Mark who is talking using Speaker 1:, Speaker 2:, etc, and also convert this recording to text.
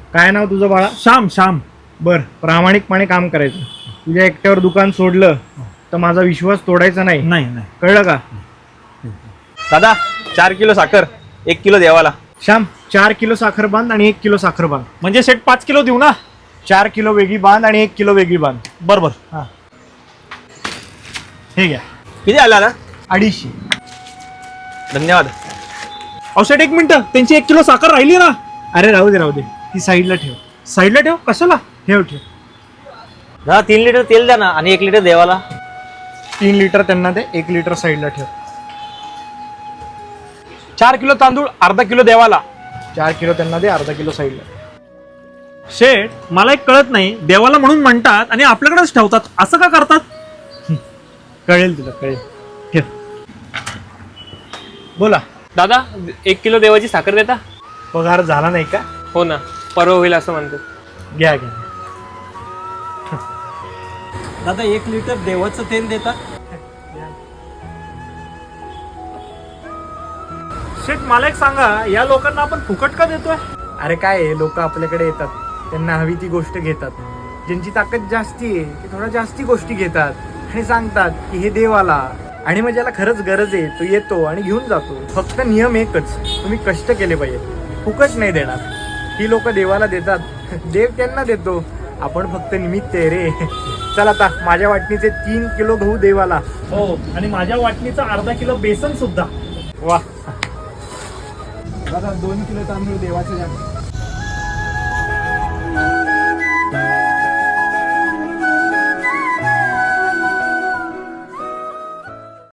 Speaker 1: काय नाव तुझं बाळा?
Speaker 2: श्याम. श्याम.
Speaker 1: बर, प्रामाणिकपणे काम करायचं. तुझ्या एकट्यावर दुकान सोडलं तर माझा विश्वास तोडायचा नाही,
Speaker 2: नाही नाही.
Speaker 1: कळलं का?
Speaker 3: दादा 4 किलो साखर 1 किलो देवाला.
Speaker 1: श्याम, 4 किलो साखर बांध आणि 1 किलो साखर बांध.
Speaker 2: म्हणजे सेट 5 किलो देऊ ना?
Speaker 1: 4 किलो वेगळी बांध आणि 1 किलो वेगळी बांध.
Speaker 2: बरोबर.
Speaker 1: हा, हे घ्या.
Speaker 3: किती आला ना?
Speaker 1: 250.
Speaker 3: धन्यवाद.
Speaker 2: अहो सेट 1 मिनिट, त्यांची 1 किलो साखर राहिली ना?
Speaker 1: अरे राहू दे, ती साईडला ठेव.
Speaker 2: साईडला ठेव. कशाला?
Speaker 1: ठेव.
Speaker 3: दादा 3 लिटर तेल द्या ना आणि 1 लिटर देवाला.
Speaker 1: 3 लिटर त्यांना दे, 1 लिटर साईडला ठेव.
Speaker 2: 4 किलो तांदूळ, अर्धा किलो देवाला.
Speaker 1: 4 किलो त्यांना दे, अर्धा किलो साईडला.
Speaker 2: शेठ, मला एक कळत नाही, देवाला म्हणून म्हणतात आणि आपल्याकडेच ठेवतात, असं का करतात?
Speaker 1: कळेल तुला, कळेल. ठेव. बोला.
Speaker 4: दादा 1 किलो देवाची साखर देता?
Speaker 1: पगार झाला नाही का?
Speaker 4: हो ना, परवा होईल असं म्हणतात.
Speaker 1: घ्या.
Speaker 5: दादा 1 लिटर देवाचं तेल देता?
Speaker 2: शेठ, मला एक सांगा, या लोकांना आपण फुकट का देतोय?
Speaker 1: अरे काय, लोक आपल्याकडे येतात, त्यांना हवी ती गोष्ट घेतात. ज्यांची ताकद जास्ती आहे ते थोडा जास्ती गोष्टी घेतात आणि सांगतात की हे देवाला. आणि मग ज्याला खरंच गरज आहे तो येतो आणि घेऊन जातो. फक्त नियम एकच, तुम्ही कष्ट केले पाहिजे, फुकट नाही देणार. ही लोक देवाला देतात, देव त्यांना देतो. आपण फक्त निमित्त आहे रे. चला आता माझ्या वाटणीचे 3 किलो गहू देवाला.
Speaker 2: हो, आणि माझ्या वाटणीचा अर्धा किलो बेसन सुद्धा.
Speaker 1: वा. 2 किलो तांदूळ देवाचे द्या.